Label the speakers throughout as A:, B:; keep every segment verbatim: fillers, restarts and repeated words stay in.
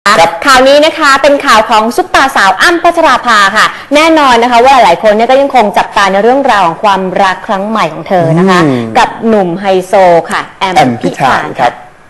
A: ข่าวนี้นะคะเป็นข่าวของซุปตาสาวอ้ำพัชราภาค่ะแน่นอนนะคะว่าหลายคนเนี่ยก็ยังคงจับตาในเรื่องราวของความรักครั้งใหม่ของเธอนะคะกับหนุ่มไฮโซค่ะแอมพิธานครับ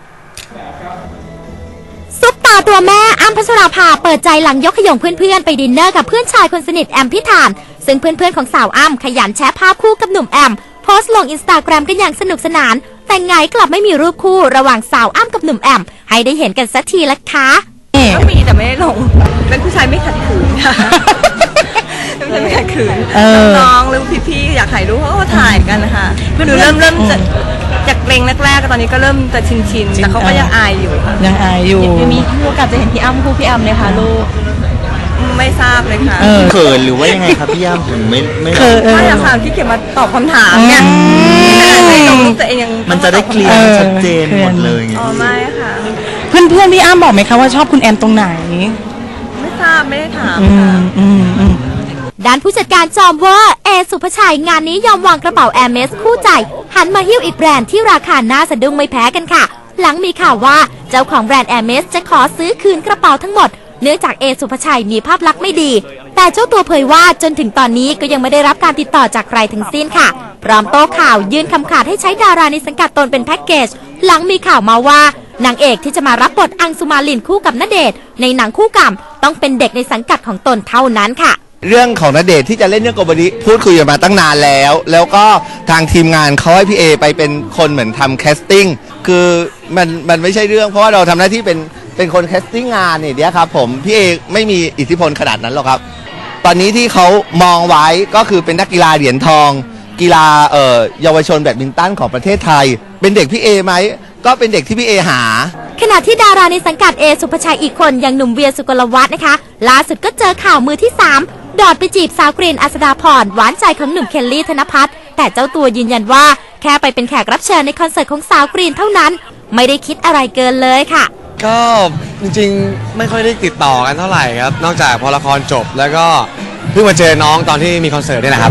B: ซุปตาตัวแม่อ้ำพัชราภาเปิดใจหลังยกขยงเพื่อนๆไปดินเนอร์กับเพื่อนชายคนสนิทแอมพิธานซึ่งเพื่อนๆของสาวอ้ำขยันแชร์ภาพคู่กับหนุ่มแอมโพสต์ลงอินสตาแกรมกันอย่างสนุกสนานแต่ไงกลับไม่มีรูปคู่ระหว่างสาวอ้ำกับหนุ่มแอมให้ได้เห็นกันสักทีละคะ
C: ก็มีแต่ไม่ได้ลงเป็นผู้ชายไม่ขัดขืนค่ะเป็นผู้ชายไม่ขัดขืนน้องๆหรือพี่ๆอยากถ่ายรูปเขาก็ถ่ายกันนะคะคือเริ่มเริ่มจะจากเกรงแรกๆก็ตอนนี้ก็เริ่มจะชินๆแต่เขาก็ยังอายอยู่ค่ะ
D: ยังอายอยู่
C: ยังมีโอกาสจะเห็นพี่อ้ำคู่พี่อ้ำเลยค่ะลูกไม่ทราบเลยค่ะ
E: เขินหรือว่ายังไงครับพี่อ้ำถึงไม่ไม่
C: เขินไม่อยากถามที่เขียนมาตอบคำถามเนี่ยไม่ลงรูปตัวเองยัง
E: มันจะได้เคลียร์ชัดเจนหมดเลย
C: อ๋อไม่ค่ะ
D: เพื่อนเพื่อนพี่อ้ำบอกไหมคะว่าชอบคุณแอมตรงไหน
C: ไม่ทราบไม่ได้ถาม
B: ด้านผู้จัดการจอมเวอร์เอสุภชัยงานนี้ยอมวางกระเป๋าแอร์เมสคู่ใจหันมาหิ้วอีกแบรนด์ที่ราคาน่าสะดุ้งไม่แพ้กันค่ะหลังมีข่าวว่าเจ้าของแบรนด์แอร์เมสจะขอซื้อคืนกระเป๋าทั้งหมดเนื่องจากเอสุภชัยมีภาพลักษณ์ไม่ดีแต่เจ้าตัวเผยว่าจนถึงตอนนี้ก็ยังไม่ได้รับการติดต่อจากใครทั้งสิ้นค่ะพร้อมโต้ข่าวยื่นคำขาดให้ใช้ดาราในสังกัดตนเป็นแพ็กเกจหลังมีข่าวมาว่านางเอกที่จะมารับบทอังสุมาลินคู่กับณเดชน์ในหนังคู่กรรมต้องเป็นเด็กในสังกัดของตนเท่านั้นค่ะ
E: เรื่องของณเดชน์ที่จะเล่นเรื่องโกบริพูดคุยกันมาตั้งนานแล้วแล้วก็ทางทีมงานเขาให้พี่เอไปเป็นคนเหมือนทำแคสติ้งคือมันมันไม่ใช่เรื่องเพราะว่าเราทำหน้าที่เป็นเป็นคนแคสติ้งงานเนี่ยเดียวครับผมพี่เอไม่มีอิทธิพลขนาดนั้นหรอกครับตอนนี้ที่เขามองไว้ก็คือเป็นนักกีฬาเหรียญทองกีฬาเอ่อเยาวชนแบดมินตันของประเทศไทยเป็นเด็กพี่เอไหมก็เป็นเด็กที่พี่เอหา
B: ขณะที่ดาราในสังกัดเอสุภชัยอีกคนอย่างหนุ่มเวียสุกลวัฒน์นะคะล่าสุดก็เจอข่าวมือที่สามดอดไปจีบสาวกรีนอัศดาพรหวานใจของหนุ่มเคลลี่ธนภัทรแต่เจ้าตัวยืนยันว่าแค่ไปเป็นแขกรับเชิญในคอนเสิร์ตของสาวกรีนเท่านั้นไม่ได้คิดอะไรเกินเลยค่ะ
F: ก็จริงๆไม่ค่อยได้ติดต่อกันเท่าไหร่ครับนอกจากพอละครจบแล้วก็เพิ่งมาเจอน้องตอนที่มีคอนเสิร์ตนี่แหละครับ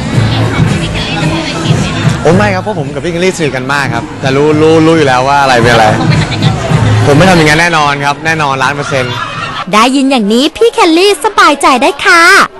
F: โอ้ไม่ครับเพราะผมกับพี่เคลลี่สนิทกันมากครับแต่รู้รู้รู้อยู่แล้วว่าอะไรเป็นอะไรผมไม่ทำอย่างนั้นแน่นอนครับแน่นอนล้านเปอร์เซ็นต์
B: ได้ยินอย่างนี้พี่เคลลี่สบายใจได้ค่ะ